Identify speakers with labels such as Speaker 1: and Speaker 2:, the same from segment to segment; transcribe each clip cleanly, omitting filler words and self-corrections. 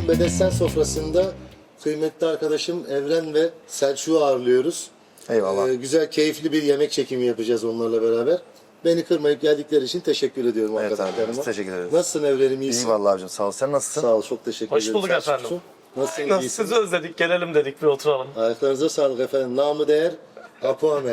Speaker 1: Bedesten sofrasında kıymetli arkadaşım Evren ve Selçuk'u ağırlıyoruz.
Speaker 2: Eyvallah.
Speaker 1: Güzel, keyifli bir yemek çekimi yapacağız onlarla beraber. Beni kırmayıp geldikleri için teşekkür ediyorum
Speaker 2: Evet abi,
Speaker 1: arkadaşlarıma.
Speaker 2: biz teşekkür ederiz.
Speaker 1: Nasılsın Evren'im, iyisin?
Speaker 2: İyi vallahi abicim, sağ ol. Sen nasılsın?
Speaker 1: Sağ ol, çok teşekkür
Speaker 3: Hoş
Speaker 1: ederim.
Speaker 3: bulduk
Speaker 1: Selçuk'cum.
Speaker 3: efendim.
Speaker 1: Nasılsın,
Speaker 3: Nasıl
Speaker 1: iyisin?
Speaker 3: sizi özledik, gelelim dedik, bir oturalım.
Speaker 1: Ayaklarınıza sağlık efendim. Namı değer Apo Amel.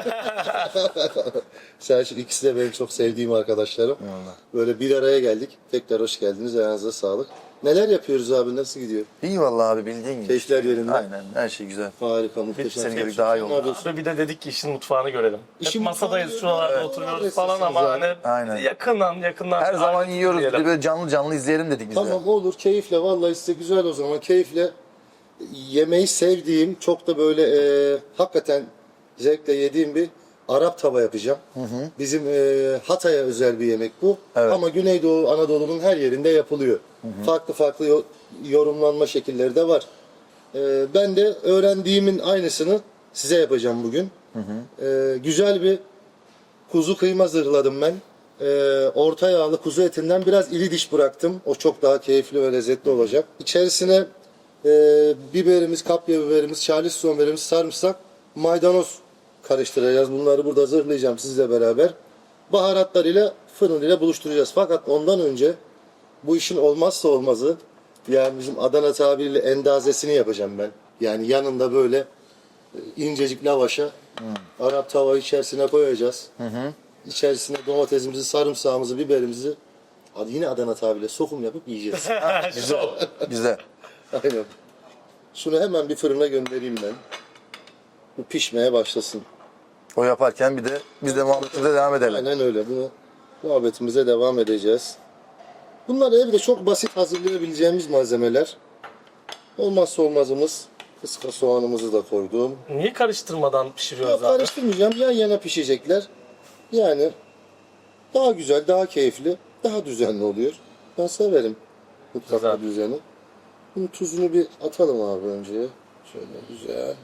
Speaker 1: Selçuk, ikisi de benim çok sevdiğim arkadaşlarım.
Speaker 2: Eyvallah.
Speaker 1: Böyle bir araya geldik. Tekrar hoş geldiniz. Ayağınıza sağlık. Neler yapıyoruz abi? Nasıl gidiyor?
Speaker 2: İyi vallahi abi, bildiğin gibi.
Speaker 1: Keyifler yerinde.
Speaker 2: Aynen, her şey güzel.
Speaker 1: Harika, muhteşem.
Speaker 2: senin gibi
Speaker 1: Selçuk,
Speaker 2: daha iyi
Speaker 1: sen
Speaker 2: oldu.
Speaker 1: ne yapıyorsun?
Speaker 3: Ve bir de dedik ki işin mutfağını görelim.
Speaker 1: İşin
Speaker 3: Hep masadayız,
Speaker 1: mutfağını
Speaker 3: şuralarda
Speaker 1: görelim.
Speaker 3: oturuyoruz
Speaker 1: Evet,
Speaker 3: falan ama
Speaker 1: sesiniz
Speaker 3: hani
Speaker 2: Aynen.
Speaker 3: yakından.
Speaker 2: Her zaman
Speaker 3: ayrı
Speaker 2: yiyoruz. Bir de
Speaker 3: diyelim.
Speaker 2: böyle canlı canlı izleyelim dedik biz de.
Speaker 1: Tamam, olur, keyifle. Vallahi size güzel o zaman. Keyifle yemeği sevdiğim, çok da böyle hakikaten zevkle yediğim bir Arap tava yapacağım. Bizim Hatay'a özel bir yemek bu.
Speaker 2: Evet.
Speaker 1: Ama Güneydoğu Anadolu'nun her yerinde yapılıyor. Farklı farklı yorumlanma şekilleri de var. Ben de öğrendiğimin aynısını size yapacağım bugün. Güzel bir kuzu kıyma zırhladım ben. Orta yağlı kuzu etinden biraz iri diş bıraktım. O çok daha keyifli ve lezzetli olacak. İçerisine biberimiz, kapya biberimiz, charleston biberimiz, sarımsak, maydanoz karıştıracağız. Bunları burada zırhlayacağım sizle beraber. Baharatlarıyla fırın ile buluşturacağız. Fakat ondan önce bu işin olmazsa olmazı, yani bizim Adana tabiriyle endazesini yapacağım ben. Yani yanında böyle incecik lavaşa Arap tava içerisine koyacağız. İçerisine domatesimizi, sarımsağımızı, biberimizi, yine Adana tabiriyle sokum yapıp yiyeceğiz.
Speaker 2: Güzel. Güzel.
Speaker 1: Aynen. Şunu hemen bir fırına göndereyim ben. Bu pişmeye başlasın.
Speaker 2: O yaparken bir de biz de muhabbetimize devam edelim.
Speaker 1: Aynen öyle. Bunu muhabbetimize devam edeceğiz. Bunlar evde çok basit hazırlayabileceğimiz malzemeler. Olmazsa olmazımız kıska soğanımızı da koydum.
Speaker 3: Niye karıştırmadan pişiriyoruz
Speaker 1: Yok,
Speaker 3: abi?
Speaker 1: karıştırmayacağım. Yan yana pişecekler. Yani daha güzel, daha keyifli, daha düzenli oluyor. Ben severim mutfakta
Speaker 3: Güzel.
Speaker 1: düzeni. Bunun tuzunu bir atalım abi önce. Şöyle güzel.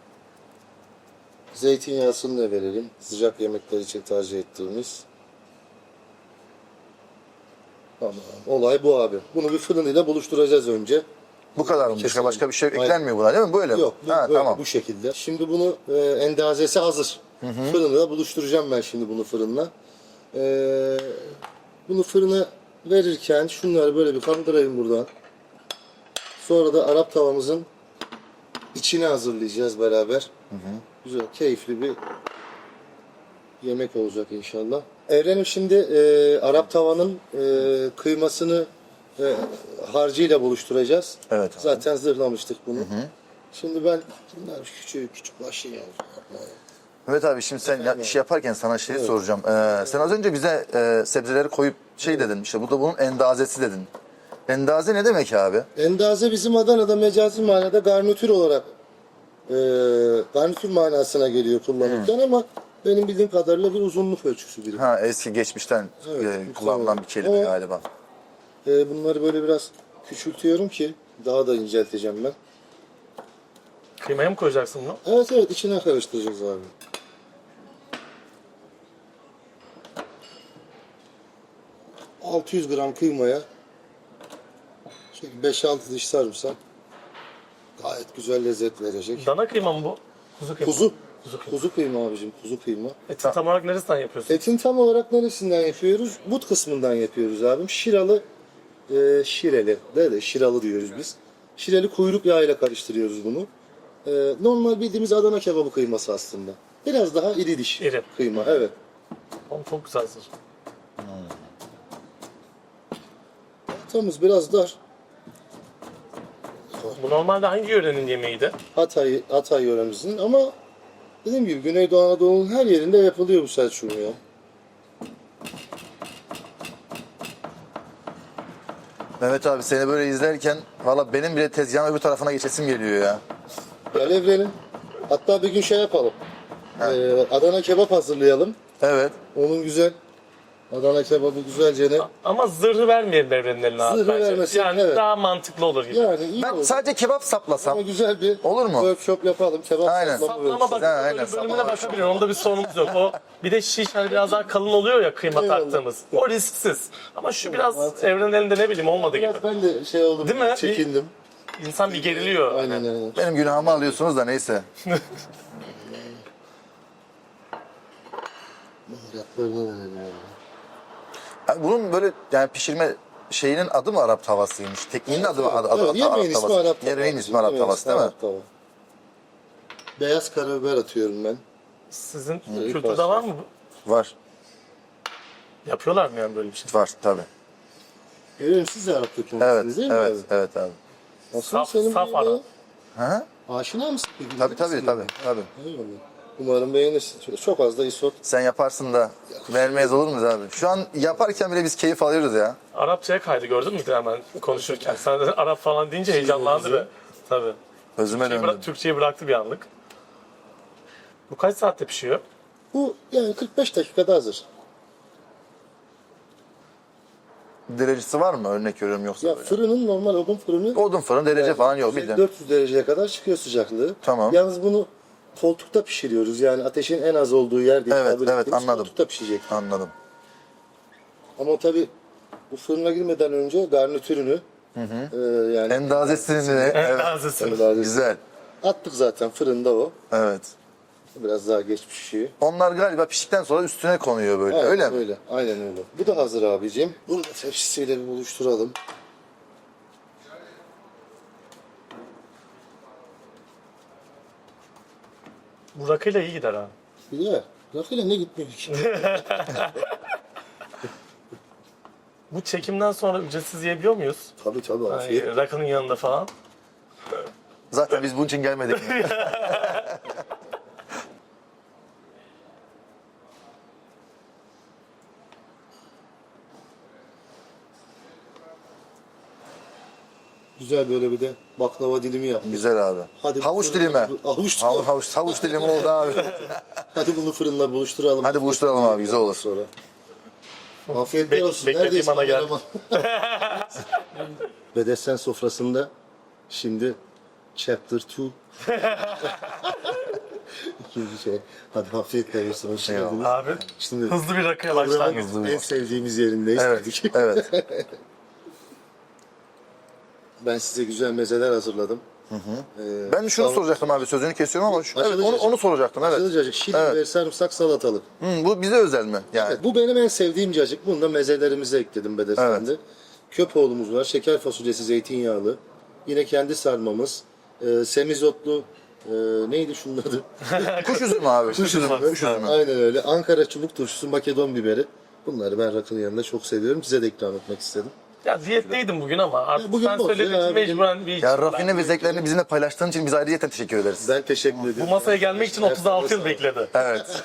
Speaker 1: Zeytinyağısını da verelim. Sıcak yemekler için tercih ettiğimiz. Tamam. Olay bu abi. Bunu bir fırın ile buluşturacağız önce.
Speaker 2: Bu kadar mı?
Speaker 1: Kesinlikle.
Speaker 2: Başka bir şey
Speaker 1: Aynen.
Speaker 2: eklenmiyor buna değil mi? Böyle mi?
Speaker 1: Yok, bu,
Speaker 2: Ha,
Speaker 1: böyle,
Speaker 2: tamam.
Speaker 1: bu şekilde. Şimdi bunu endazesi hazır. Fırında buluşturacağım ben şimdi bunu fırınla. Bunu fırına verirken şunları böyle bir kaldırayım buradan. Sonra da Arap tavamızın içine hazırlayacağız beraber. Güzel, keyifli bir yemek olacak inşallah. Evrenim, şimdi Arap tavanın kıymasını harcıyla buluşturacağız.
Speaker 2: Evet abi.
Speaker 1: Zaten zırhlamıştık bunu. Şimdi ben bunlar küçük başlayacağım.
Speaker 2: Evet abi, şimdi sen iş yaparken sana şeyi soracağım. Sen az önce bize sebzeleri koyup şey dedin, işte bu da bunun endazesi dedin. Endaze ne demek abi?
Speaker 1: Endaze bizim Adana'da mecazi manada garnitür olarak garnitür manasına geliyor kullanırken ama benim bildiğim kadarıyla bir uzunluk ölçüsü biri.
Speaker 2: Ha, eski geçmişten
Speaker 1: Evet,
Speaker 2: kullanılan bir kelime
Speaker 1: Ama-
Speaker 2: galiba.
Speaker 1: Bunları böyle biraz küçültüyorum ki daha da incelteceğim ben.
Speaker 3: Kıymaya mı koyacaksın bunu?
Speaker 1: Evet evet, içine karıştıracağız abi. ...600 gram kıymaya... ...şöyle 5-6 diş sarımsak... ...gayet güzel lezzet verecek.
Speaker 3: Dana kıyma mı bu? Kuzu kıyma.
Speaker 1: Kuzu.
Speaker 3: Kuzu kıyma.
Speaker 1: Kuzu kıyma abicim, kuzu kıyma.
Speaker 3: Eti tam olarak neresinden yapıyorsun?
Speaker 1: Etin tam olarak neresinden yapıyoruz? But kısmından yapıyoruz abim. Şiralı, şireli, de şiralı diyoruz biz. Şireli kuyruk yağıyla karıştırıyoruz bunu. Normal bildiğimiz Adana kebabı kıyması aslında. Biraz daha iri diş
Speaker 3: İri.
Speaker 1: kıyma, evet.
Speaker 3: Oğlum çok güzel hazır.
Speaker 1: Tamız biraz dar.
Speaker 3: Bu normalde hangi yörenin yemeğiydi?
Speaker 1: Hatay yöremizin ama dediğim gibi Güneydoğu Anadolu'nun her yerinde yapılıyor bu Selçuk'un ya.
Speaker 2: Mehmet abi, seni böyle izlerken valla benim bile tezgahın öbür tarafına geçesim geliyor ya.
Speaker 1: Gel Evren'im. Hatta bir gün şey yapalım. Adana kebap hazırlayalım.
Speaker 2: Evet.
Speaker 1: Onun güzel Adana kebabı güzelce ne?
Speaker 3: Ama zırhı vermeyelim evrenin eline abi
Speaker 1: Zırhı
Speaker 3: bence.
Speaker 1: vermesin,
Speaker 3: Yani
Speaker 1: evet.
Speaker 3: daha mantıklı olur gibi.
Speaker 1: Yani iyi
Speaker 2: Ben
Speaker 1: olur.
Speaker 2: sadece kebap saplasam.
Speaker 1: Ama güzel bir
Speaker 2: Olur mu?
Speaker 1: workshop yapalım. Kebap
Speaker 2: Aynen.
Speaker 1: saplama
Speaker 3: Saplama
Speaker 1: workshop.
Speaker 3: bak,
Speaker 2: Aynen,
Speaker 3: böyle bölümüne
Speaker 2: saplama.
Speaker 3: bakabilir. Onda bir sorunumuz yok. O bir de şiş hani biraz daha kalın oluyor ya kıyma
Speaker 1: Eyvallah.
Speaker 3: taktığımız. O risksiz. Ama şu biraz evrenin elinde ne bileyim olmadı gibi.
Speaker 1: Biraz ben de şey oldum,
Speaker 3: Değil mi?
Speaker 1: çekindim.
Speaker 3: İnsan bir geriliyor.
Speaker 1: Aynen aynen.
Speaker 2: Benim günahımı alıyorsunuz da neyse.
Speaker 1: Baharatlarını verelim ya.
Speaker 2: Yani bunun böyle yani pişirme şeyinin adı mı Arap tavasıymış? Tekniğinin adı mı?
Speaker 1: Evet, yemeğin ismi Arap tavası.
Speaker 2: Yemeğin ismi Arap
Speaker 1: Yemeğin
Speaker 2: tavası
Speaker 1: ismi
Speaker 2: değil mi?
Speaker 1: Arap tava. Beyaz karabiber atıyorum ben.
Speaker 3: Sizin
Speaker 1: İyi
Speaker 3: kültürde
Speaker 1: pasta.
Speaker 3: var mı?
Speaker 2: Var.
Speaker 3: Yapıyorlar mı yani böyle bir şey?
Speaker 2: Var tabii.
Speaker 1: Görüyorum siz de Arap
Speaker 2: Evet,
Speaker 1: kökenlisiniz değil mi
Speaker 2: evet,
Speaker 1: abi?
Speaker 2: evet abi.
Speaker 1: Nasıl
Speaker 3: Saf-
Speaker 1: senin
Speaker 3: saf
Speaker 1: bu
Speaker 3: Arap.
Speaker 1: yemeğe?
Speaker 2: Ha?
Speaker 1: Aşina mısın peki?
Speaker 2: Tabii tabii tabii. tabii.
Speaker 1: Eyvallah. Umarım beğenirsin. Çok az da isot.
Speaker 2: Sen yaparsın da vermeyiz olur muyuz abi? Şu an yaparken bile biz keyif alıyoruz ya.
Speaker 3: Arapçaya kaydı gördün mü hemen konuşurken? Sen de Arap falan deyince heyecanlandı be. Tabii.
Speaker 2: Özüme döndüm.
Speaker 3: Türkçeyi bıraktı bir anlık. Bu kaç saatte pişiyor?
Speaker 1: Bu yani 45 dakikada hazır.
Speaker 2: Derecesi var mı? Örnek veriyorum yoksa
Speaker 1: Ya
Speaker 2: böyle.
Speaker 1: fırının normal odun fırını
Speaker 2: Odun fırın derece falan yok bildiğin.
Speaker 1: 400 dereceye kadar çıkıyor sıcaklığı.
Speaker 2: Tamam.
Speaker 1: Yalnız bunu koltukta pişiriyoruz. Yani ateşin en az olduğu yer değil.
Speaker 2: Evet,
Speaker 1: tabir
Speaker 2: evet,
Speaker 1: ettiğimiz
Speaker 2: anladım.
Speaker 1: Koltukta pişecek.
Speaker 2: Anladım.
Speaker 1: Ama tabii bu fırına girmeden önce garnitürünü yani
Speaker 2: Endazesini evet.
Speaker 3: Tazesi.
Speaker 2: Güzel.
Speaker 1: attık zaten fırında o.
Speaker 2: Evet.
Speaker 1: Biraz daha geç pişiyor.
Speaker 2: Onlar galiba piştikten sonra üstüne konuyor böyle.
Speaker 1: Evet,
Speaker 2: öyle mi?
Speaker 1: Öyle. Aynen öyle. Bu da hazır abicim. Bunu da tepsisiyle bir buluşturalım.
Speaker 3: Bu rakıyla iyi gider ha.
Speaker 1: Güzel. Rakıyla ne gitmiyor ki?
Speaker 3: Bu çekimden sonra ücretsiz yiyebiliyor muyuz?
Speaker 1: Tabii tabii afiyet.
Speaker 3: Yani rakının yanında falan.
Speaker 2: Zaten biz bunun için gelmedik.
Speaker 1: Güzel böyle bir de baklava dilimi yaptık.
Speaker 2: Güzel abi.
Speaker 1: Hadi
Speaker 2: havuç
Speaker 1: fırına-
Speaker 2: dilimi.
Speaker 1: Havuç
Speaker 2: Havuç dilimi oldu abi.
Speaker 1: Hadi bunu fırınla buluşturalım.
Speaker 2: Hadi buluşturalım abi, güzel olur.
Speaker 1: Sonra. Afiyetler olsun.
Speaker 3: beklediğim
Speaker 1: Neredeyiz
Speaker 3: ana geldi.
Speaker 1: kameraman? Bedesten sofrasında şimdi chapter 2. İkinci şey. Hadi afiyetler olsun. Hoş geldiniz.
Speaker 3: Abi
Speaker 1: Şimdi
Speaker 3: hızlı bir rakıya başlangıç.
Speaker 1: en sevdiğimiz yerindeyiz.
Speaker 2: Evet, evet.
Speaker 1: Ben size güzel mezeler hazırladım.
Speaker 2: Ben şunu soracaktım abi, sözünü kesiyorum ama evet,
Speaker 1: Açılacak.
Speaker 2: onu soracaktım evet.
Speaker 1: Cacık, şirin
Speaker 2: Evet.
Speaker 1: ve sarımsak salatalık.
Speaker 2: Bu bize özel mi? Yani.
Speaker 1: Evet, bu benim en sevdiğim cacık. Bunu da mezelerimize ekledim Bedesten'de. Köpoğlumuz var, şeker fasulyesi zeytinyağlı. Yine kendi sarmamız. Semizotlu, neydi şunun adı?
Speaker 2: Kuş üzümü abi. Kuş üzümü. Kuş üzümü.
Speaker 1: Aynen öyle. Ankara çubuk turşusu, Makedon biberi. Bunları ben rakının yanında çok seviyorum. Size de ikram etmek istedim.
Speaker 3: Ya diyetteydim bugün ama artık
Speaker 1: bugün
Speaker 3: sen
Speaker 1: boş
Speaker 3: söylediğin
Speaker 1: ya,
Speaker 3: için mecburen bir
Speaker 2: Ya rafine ve zevklerini bizimle paylaştığın için biz ayrıyeten teşekkür ederiz.
Speaker 1: Ben teşekkür ediyorum.
Speaker 3: Bu masaya gelmek için 36 yıl bekledi.
Speaker 2: Evet.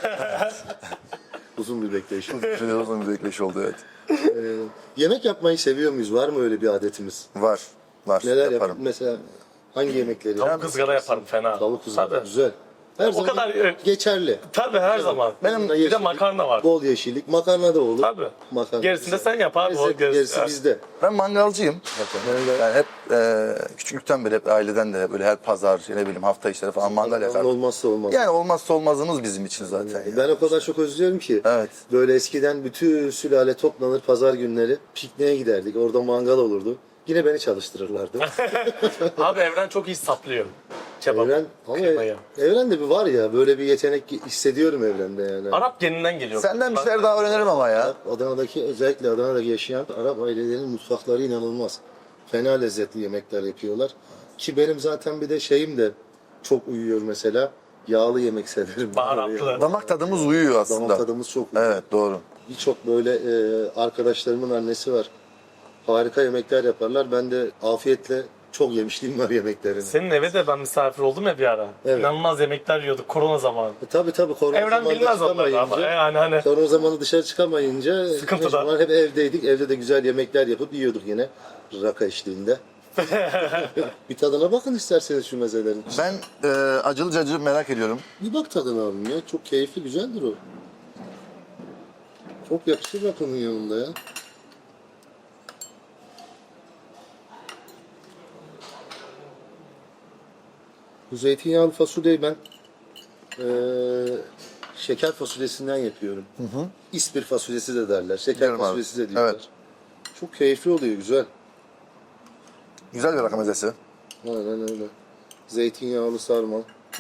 Speaker 1: Uzun bir bekleyiş.
Speaker 2: Uzun bir bekleyiş oldu evet.
Speaker 1: Yemek yapmayı seviyor muyuz? Var mı öyle bir adetimiz?
Speaker 2: Var. Var.
Speaker 1: Neler
Speaker 2: yaparım.
Speaker 1: yaparım? Mesela hangi yemekleri?
Speaker 3: Tavuk ızgara yaparım fena.
Speaker 1: Tavuk kızartma.
Speaker 3: Tabii.
Speaker 1: Güzel. Her zaman
Speaker 3: kadar,
Speaker 1: geçerli.
Speaker 3: Tabii her zaman.
Speaker 1: Benim
Speaker 3: Bir de makarna var.
Speaker 1: Bol yeşillik. Makarna da olur.
Speaker 3: Tabii.
Speaker 1: Makarna
Speaker 3: Gerisini de
Speaker 1: güzel.
Speaker 3: sen yap abi. O
Speaker 1: Gerisi bizde.
Speaker 2: Ben mangalcıyım. Yani hep küçüklükten beri hep aileden de böyle her pazar ne bileyim hafta içleri falan mangal yakardım.
Speaker 1: Olmazsa olmaz.
Speaker 2: Yani olmazsa olmazımız bizim için zaten. ya.
Speaker 1: Ben o kadar çok özlüyorum ki.
Speaker 2: Evet.
Speaker 1: Böyle eskiden bütün sülale toplanır pazar günleri pikniğe giderdik. Orada mangal olurdu. Yine beni çalıştırırlardı.
Speaker 3: Abi Evren çok iyi saplıyor. Kebap.
Speaker 1: Evren, ama
Speaker 3: kıymayı.
Speaker 1: Evrende bir var ya böyle bir yetenek hissediyorum Evrende yani.
Speaker 3: Arap geninden geliyor.
Speaker 2: Senden bir şeyler daha öğrenirim ama ya.
Speaker 1: Adana'daki özellikle Adana'daki yaşayan Arap ailelerinin mutfakları inanılmaz. Fena lezzetli yemekler yapıyorlar. Ki benim zaten bir de şeyim de çok uyuyor mesela. Yağlı yemek severim.
Speaker 3: Baharatlı.
Speaker 2: Damak tadımız uyuyor aslında.
Speaker 1: Damak tadımız çok uyuyor.
Speaker 2: Evet doğru.
Speaker 1: Birçok böyle arkadaşlarımın annesi var. Harika yemekler yaparlar. Ben de afiyetle çok yemişliğim var yemeklerini.
Speaker 3: Senin eve de ben misafir oldum ya bir ara.
Speaker 1: Evet.
Speaker 3: İnanılmaz yemekler yiyorduk korona zamanı.
Speaker 1: Tabii korona
Speaker 3: Evren
Speaker 1: zamanında
Speaker 3: bilmez onları ama
Speaker 1: çıkamayınca-
Speaker 3: yani hani
Speaker 1: Korona zamanı dışarı çıkamayınca
Speaker 3: Sıkıntıda.
Speaker 1: mecburen hep evdeydik. Evde de güzel yemekler yapıp yiyorduk yine. Raka eşliğinde. Bir tadına bakın isterseniz şu mezelerin.
Speaker 2: Ben acılı cacığı merak ediyorum.
Speaker 1: Bir bak tadına abim ya. Çok keyifli, güzeldir o. Çok yakışır rakının yanında ya. Bu zeytinyağlı fasulyeyi ben şeker fasulyesinden yapıyorum. İspir fasulyesi de derler. Şeker
Speaker 2: Biliyorum abi.
Speaker 1: fasulyesi de diyorlar.
Speaker 2: Evet.
Speaker 1: Çok keyifli oluyor, güzel.
Speaker 2: Güzel bir rakı mezesi.
Speaker 1: Aynen öyle. Zeytinyağlı sarma.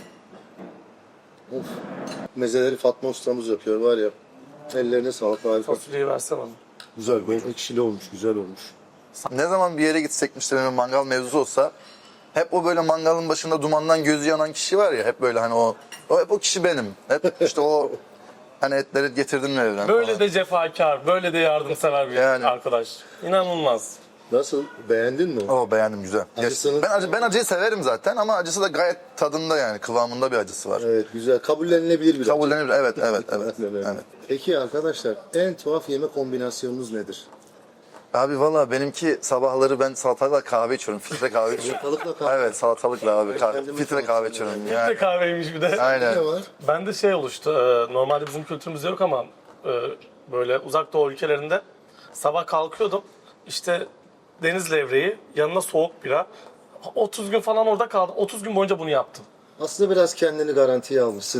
Speaker 1: Of. Mezeleri Fatma ustamız yapıyor var ya. Ellerine sağlık, harika.
Speaker 3: Fasulyeyi versene bana.
Speaker 1: Güzel, bol ekşili olmuş, güzel olmuş.
Speaker 2: Ne zaman bir yere gitsek işte bir mangal mevzusu olsa hep o böyle mangalın başında dumandan gözü yanan kişi var ya, hep böyle hani o hep o kişi benim. Hep işte o hani etleri getirdin mi evden
Speaker 3: Böyle
Speaker 2: falan.
Speaker 3: de cefakar, böyle de yardımsever bir
Speaker 2: Yani.
Speaker 3: arkadaş. İnanılmaz.
Speaker 1: Nasıl? Beğendin mi?
Speaker 2: O beğendim, güzel.
Speaker 1: Acısını-
Speaker 2: Ben acıyı severim zaten ama acısı da gayet tadında, yani kıvamında bir acısı var.
Speaker 1: Evet, güzel. Kabullenilebilir bir
Speaker 2: Kabullenir. Evet.
Speaker 1: Aynen öyle.
Speaker 2: Evet.
Speaker 1: Peki arkadaşlar, en tuhaf yemek kombinasyonunuz nedir?
Speaker 2: Abi valla benimki sabahları ben salatalıkla kahve içiyorum. Filtre kahve içiyorum.
Speaker 1: Salatalıkla kahve.
Speaker 2: Evet, salatalıkla abi.
Speaker 1: kendimi
Speaker 2: Filtre
Speaker 1: çok
Speaker 2: kahve
Speaker 1: seviyorum.
Speaker 2: içiyorum.
Speaker 3: Bir de
Speaker 2: Yani,
Speaker 3: kahveymiş bir de.
Speaker 2: aynen.
Speaker 1: Ne var?
Speaker 3: Bende şey oluştu. Normalde bizim kültürümüzde yok ama böyle uzak doğu ülkelerinde sabah kalkıyordum. İşte deniz levreği, yanına soğuk bira. 30 gün falan orada kaldım. 30 gün boyunca bunu yaptım.
Speaker 1: Aslında biraz kendini garantiye almışsın.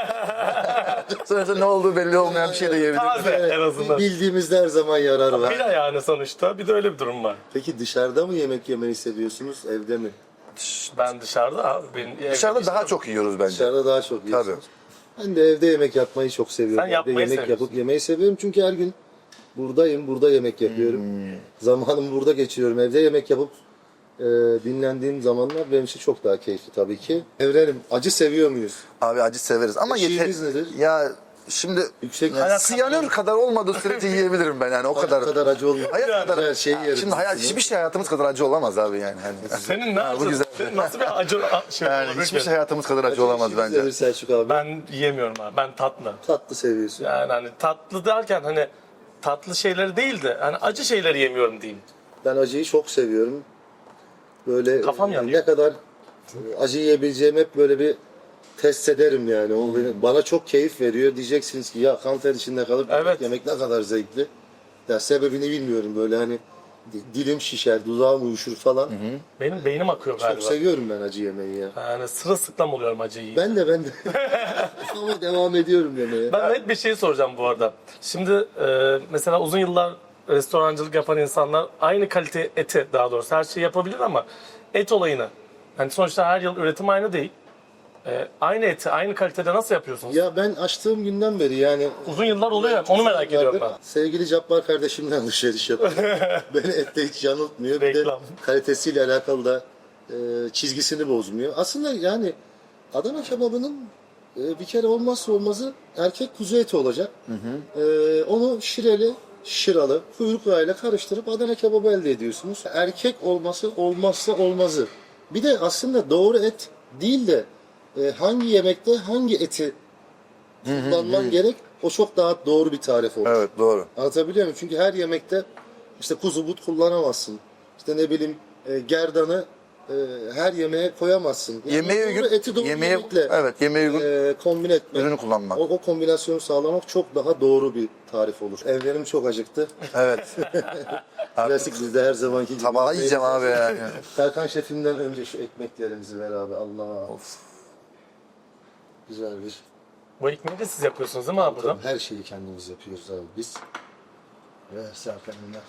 Speaker 2: Sonuçta ne olduğu belli olmayan bir şey de yiyebilirim.
Speaker 3: Taze en azından.
Speaker 1: Bildiğimizde her zaman yarar var.
Speaker 3: Bira yani sonuçta. Bir de öyle bir durum var.
Speaker 1: Peki dışarıda mı yemek yemeyi seviyorsunuz, evde mi?
Speaker 3: Ben dışarıda abi. Benim
Speaker 2: Dışarıda daha çok yiyoruz bence.
Speaker 1: Dışarıda daha çok yiyorsunuz. Ben de evde yemek yapmayı çok seviyorum.
Speaker 3: Sen
Speaker 1: Evde
Speaker 3: yapmayı
Speaker 1: yemek
Speaker 3: seviyorsun.
Speaker 1: yapıp yemeyi seviyorum çünkü her gün buradayım, burada yemek yapıyorum. Zamanımı burada geçiriyorum. Evde yemek yapıp dinlendiğim zamanlar benim için çok daha keyifli tabii ki. Evrenim, acı seviyor muyuz?
Speaker 2: Abi acı severiz ama
Speaker 1: Eşiğiniz nedir?
Speaker 2: Ya şimdi
Speaker 1: Yüksek
Speaker 2: siyanür kadar olmadığı sürece yiyebilirim ben yani o kadar.
Speaker 1: kadar acı olmuyor.
Speaker 2: Hayat kadar.
Speaker 1: Her şeyi yeriz.
Speaker 2: Şimdi hiçbir şey hayatımız kadar acı olamaz abi yani.
Speaker 3: Senin ne acı?
Speaker 2: güzel.
Speaker 3: Senin nasıl bir acı şey
Speaker 2: Yani
Speaker 3: olabilir
Speaker 2: hiçbir
Speaker 3: ki?
Speaker 2: şey hayatımız kadar acı olamaz
Speaker 1: İşimiz
Speaker 2: bence.
Speaker 1: nedir Selçuk abi?
Speaker 3: Ben yiyemiyorum abi. Ben tatlı.
Speaker 1: Tatlı seviyorsun.
Speaker 3: Yani hani tatlı derken hani tatlı şeyleri değil de hani acı şeyleri yemiyorum diyeyim.
Speaker 1: Ben acıyı çok seviyorum. Böyle
Speaker 3: Kafam yanıyor.
Speaker 1: ne kadar acı yiyebileceğimi hep böyle bir test ederim yani. O bana çok keyif veriyor. Diyeceksiniz ki ya kan ter içinde kalıp
Speaker 3: Evet.
Speaker 1: yemek ne kadar zevkli. Ya sebebini bilmiyorum böyle hani dilim şişer, dudağım uyuşur falan.
Speaker 3: Benim beynim akıyor
Speaker 1: Çok
Speaker 3: galiba.
Speaker 1: seviyorum ben acı yemeyi ya.
Speaker 3: Yani sırılsıklam oluyorum acı yiyince.
Speaker 1: Ben de. Ama devam ediyorum yemeye.
Speaker 3: Ben net bir şey soracağım bu arada. Şimdi mesela uzun yıllar restorancılık yapan insanlar aynı kalite eti, daha doğrusu her şeyi yapabilir ama et olayını, hani sonuçta her yıl üretim aynı değil. Aynı eti aynı kalitede nasıl yapıyorsunuz?
Speaker 1: Ya ben açtığım günden beri yani
Speaker 3: Uzun yıllar oluyor ya, onu merak ediyorum ben.
Speaker 1: Sevgili Cabbar kardeşimden alışveriş yapıyorum. Beni ette hiç yanıltmıyor. Bir de
Speaker 3: Reklam.
Speaker 1: kalitesiyle alakalı da çizgisini bozmuyor. Aslında yani Adana kebabının bir kere olmazsa olmazı erkek kuzu eti olacak. Onu şireli, şıralı, kuyruk yağıyla karıştırıp Adana kebabı elde ediyorsunuz. Erkek olması olmazsa olmazı. Bir de aslında doğru et değil de hangi yemekte hangi eti kullanman gerek, o çok daha doğru bir tarif olur.
Speaker 2: Evet, doğru.
Speaker 1: Anlatabiliyor muyum? Çünkü her yemekte işte kuzu but kullanamazsın. İşte ne bileyim gerdanı her yemeğe koyamazsın. Yani
Speaker 2: Yemeğe
Speaker 1: doğru
Speaker 2: uygun,
Speaker 1: eti doğru
Speaker 2: yemeğe
Speaker 1: yemekle
Speaker 2: uygun
Speaker 1: kombine etmek.
Speaker 2: ürünü kullanmak.
Speaker 1: O kombinasyonu sağlamak çok daha doğru bir tarif olur. Evlerim çok acıktı.
Speaker 2: Evet.
Speaker 1: Klasik bizde her zamanki gibi.
Speaker 2: Tabağı yiyeceğim abi yani.
Speaker 1: Serkan şefimden önce şu ekmeklerimizi ver abi. Allah. Of. Güzel bir.
Speaker 3: Bu ekmeği de siz yapıyorsunuz değil mi abi burada?
Speaker 1: Her şeyi kendimiz yapıyoruz abi biz. Ve Serkan'ımla.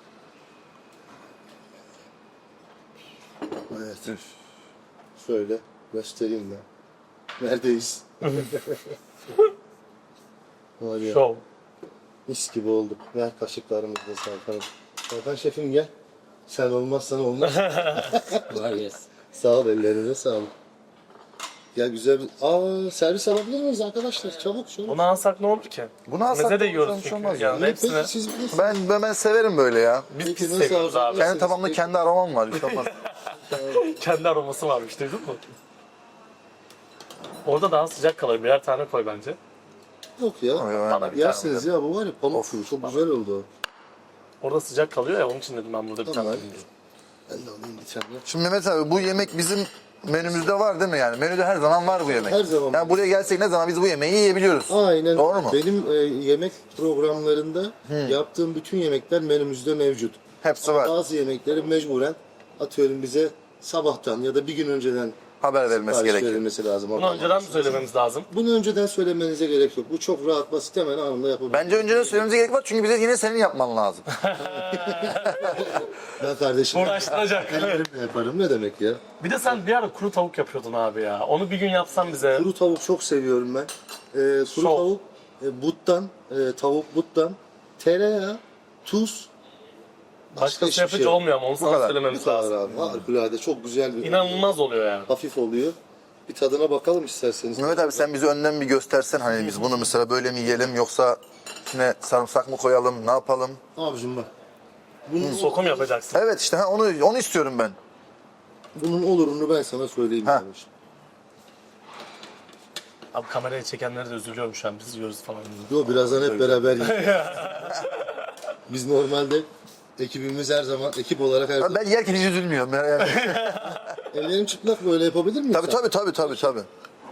Speaker 1: Evet. Şöyle göstereyim ben. Neredeyiz? Var ya,
Speaker 3: Şov.
Speaker 1: mis gibi olduk. Ver kaşıklarımızı da Serkan'ım. Serkan şefim gel. Sen olmazsan olmaz.
Speaker 4: Var yes.
Speaker 1: Sağ ol, ellerine sağlık. Ya güzel bir... servis alabilir miyiz arkadaşlar? Çabuk şöyle.
Speaker 3: Bunu alsak ne olur ki?
Speaker 2: Bunu alsak
Speaker 3: Meze de
Speaker 2: ne olur,
Speaker 3: yiyoruz
Speaker 2: sonuç
Speaker 3: çünkü.
Speaker 2: olmaz
Speaker 3: Yani
Speaker 2: ya.
Speaker 3: hepsini
Speaker 1: Peki siz bilirsiniz.
Speaker 2: Ben severim böyle ya.
Speaker 3: biz
Speaker 1: Peki,
Speaker 3: pis
Speaker 1: nasıl
Speaker 3: seviyoruz
Speaker 1: alacağız?
Speaker 3: abi.
Speaker 2: Kendi tabağımda kendi aromam var. Bir şey olmaz.
Speaker 3: Kendi aroması varmış, duydun mu? Orada daha sıcak kalır. Birer tane koy bence.
Speaker 1: Yok ya.
Speaker 3: Bana bir
Speaker 1: Yersiniz
Speaker 3: tane.
Speaker 1: ya, bu var ya pamuk gibi. Çok güzel oldu.
Speaker 3: Orada sıcak kalıyor ya, onun için dedim ben burada bir
Speaker 1: Tamam.
Speaker 3: tane.
Speaker 1: Ben de alayım bir tane.
Speaker 2: Şimdi Mehmet abi bu yemek bizim menümüzde var değil mi yani? Menüde her zaman var bu yemek.
Speaker 1: Her zaman.
Speaker 2: Yani buraya gelsek ne zaman biz bu yemeği yiyebiliyoruz.
Speaker 1: Aynen.
Speaker 2: Doğru mu?
Speaker 1: Benim yemek programlarında yaptığım bütün yemekler menümüzde mevcut.
Speaker 2: Hepsi var.
Speaker 1: Bazı yemekleri mecburen atıyorum bize sabahtan ya da bir gün önceden
Speaker 2: Haber verilmesi
Speaker 1: sipariş
Speaker 2: gerekiyor.
Speaker 1: verilmesi lazım.
Speaker 3: Bunu önceden mi söylememiz lazım?
Speaker 1: Bunu önceden söylemenize gerek yok. Bu çok rahat, basit, hemen anında yapabilirsiniz.
Speaker 2: Bence önceden söylememize gerek var çünkü bize yine senin yapman lazım.
Speaker 1: Ben kardeşim
Speaker 3: Uğraştıracak.
Speaker 1: ellerimle yaparım, ne demek ya.
Speaker 3: Bir de sen bir ara kuru tavuk yapıyordun abi ya. Onu bir gün yapsan bize.
Speaker 1: Kuru tavuk çok seviyorum ben. Kuru
Speaker 3: Şov.
Speaker 1: tavuk buttan, tavuk buttan, tereyağı, tuz,
Speaker 3: Başkası
Speaker 1: hiçbir
Speaker 3: yapınca
Speaker 1: şey yok.
Speaker 3: olmuyor ama onu sana
Speaker 2: kadar.
Speaker 1: Bu
Speaker 3: söylememiz
Speaker 1: kadar
Speaker 3: lazım.
Speaker 1: abi. Harikulade, çok güzel bir
Speaker 3: İnanılmaz oluyor yani.
Speaker 1: hafif oluyor. Bir tadına bakalım isterseniz.
Speaker 2: Mehmet abi sen bizi önden bir göstersen hani biz bunu mesela böyle mi yiyelim yoksa içine sarımsak mı koyalım ne yapalım?
Speaker 1: Abicim bak. Bunun,
Speaker 3: Sokum yapacaksın.
Speaker 2: Evet işte onu istiyorum ben.
Speaker 1: bunun olurunu ben sana söyleyeyim
Speaker 2: Ha.
Speaker 1: kardeşim.
Speaker 3: Abi kamerayı çekenlere de üzülüyorum şu an. Biz yiyoruz falan.
Speaker 1: Yo, birazdan hep beraber yiyelim. Biz normalde ekibimiz her zaman, ekip olarak her zaman.
Speaker 2: Ben yerken hiç üzülmüyorum. Yani.
Speaker 1: Ellerim çıplak, böyle yapabilir miyim?
Speaker 2: Tabii.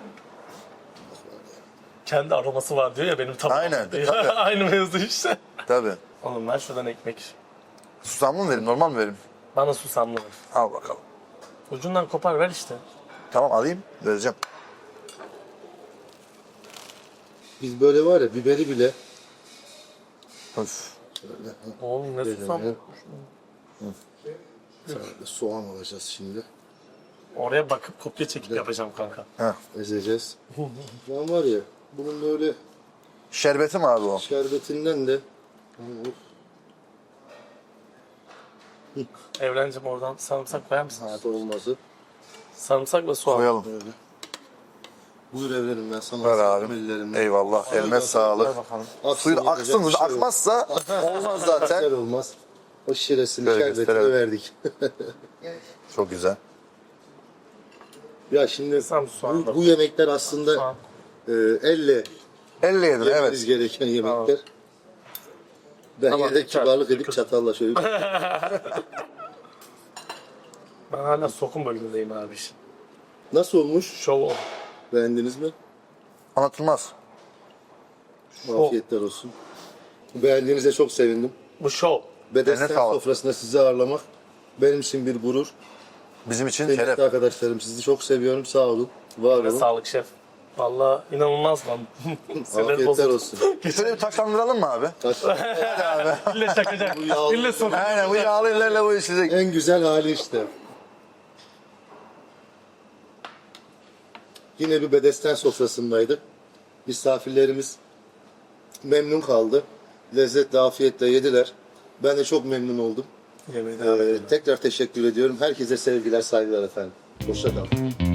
Speaker 3: Kendi aroması var diyor ya benim tabağım.
Speaker 2: Aynen, tabii.
Speaker 3: Aynı mevzu işte.
Speaker 2: Tabii.
Speaker 3: Oğlum ben şuradan ekmek.
Speaker 2: Susamlı mı vereyim normal mi vereyim?
Speaker 3: Bana susamlı ver.
Speaker 2: Al bakalım.
Speaker 3: Ucundan kopar ver işte.
Speaker 2: Tamam alayım vereceğim.
Speaker 1: Biz böyle var ya, biberi bile
Speaker 2: Öf.
Speaker 3: Oğlum ne susam.
Speaker 1: soğan alacağız şimdi.
Speaker 3: Oraya bakıp kopya çekip yapacağım kanka.
Speaker 2: Heh.
Speaker 1: Ezeceğiz. Ben var ya, bunun böyle
Speaker 2: Şerbeti mi abi o?
Speaker 1: şerbetinden de
Speaker 3: Evrencim oradan sarımsak koyar mısın?
Speaker 1: hayat olmazı.
Speaker 3: Sarımsak ve soğan.
Speaker 2: Koyalım.
Speaker 1: Böyle. Buyur evlerim, ben sana.
Speaker 2: Ver
Speaker 1: ısmarlarım
Speaker 2: abi.
Speaker 1: ellerimle.
Speaker 2: Eyvallah. Eline
Speaker 3: Ver
Speaker 2: sağlık.
Speaker 3: bakalım.
Speaker 1: Aksın,
Speaker 2: Suyu
Speaker 1: yapacak
Speaker 2: aksın.
Speaker 1: bir şey yok.
Speaker 2: Akmazsa olmaz
Speaker 1: Güzel
Speaker 2: zaten.
Speaker 1: olmaz. O şiresini,
Speaker 2: Şöyle
Speaker 1: şerbetini
Speaker 2: gösterelim.
Speaker 1: verdik.
Speaker 2: Çok güzel.
Speaker 1: Ya şimdi
Speaker 3: Sam soğan da.
Speaker 1: bu yemekler aslında
Speaker 3: Soğan.
Speaker 1: elle
Speaker 2: Elle yedin
Speaker 1: yemeniz
Speaker 2: evet.
Speaker 1: gereken yemekler. Ben
Speaker 3: Tamam,
Speaker 1: yine de
Speaker 3: yeter.
Speaker 1: kibarlık edip çatalla şöyle.
Speaker 3: Ben hala sokum bölümündeyim abi.
Speaker 1: Nasıl olmuş?
Speaker 3: Şov ol.
Speaker 1: Beğendiniz mi?
Speaker 2: Anlatılmaz.
Speaker 1: Afiyetler olsun. Beğendiğinize çok sevindim.
Speaker 3: Bu şov.
Speaker 1: Bedesten
Speaker 2: Eline sağlık.
Speaker 1: sofrasında sizi ağırlamak benim için bir gurur.
Speaker 2: Bizim için
Speaker 1: Kıymetli
Speaker 2: şeref.
Speaker 1: arkadaşlarım, sizi çok seviyorum. Sağ olun. Var
Speaker 3: Ve
Speaker 1: olun.
Speaker 3: sağlık şef. Valla inanılmaz lan. Sinir
Speaker 1: Afiyetler
Speaker 3: bozuldu.
Speaker 1: olsun.
Speaker 2: Şöyle bir taşlandıralım mı abi?
Speaker 1: Kaç-
Speaker 3: İlle çakacak.
Speaker 1: yağlı-
Speaker 3: İlle sokum.
Speaker 2: Aynen bu yağlı ellerle bu işleyecek.
Speaker 1: En güzel hali işte. Yine bir bedesten sofrasındaydık. Misafirlerimiz memnun kaldı. Lezzetle, afiyetle yediler. Ben de çok memnun oldum.
Speaker 3: Yemin ederim.
Speaker 1: Tekrar teşekkür ediyorum. Herkese sevgiler, saygılar efendim. Hoşça kalın.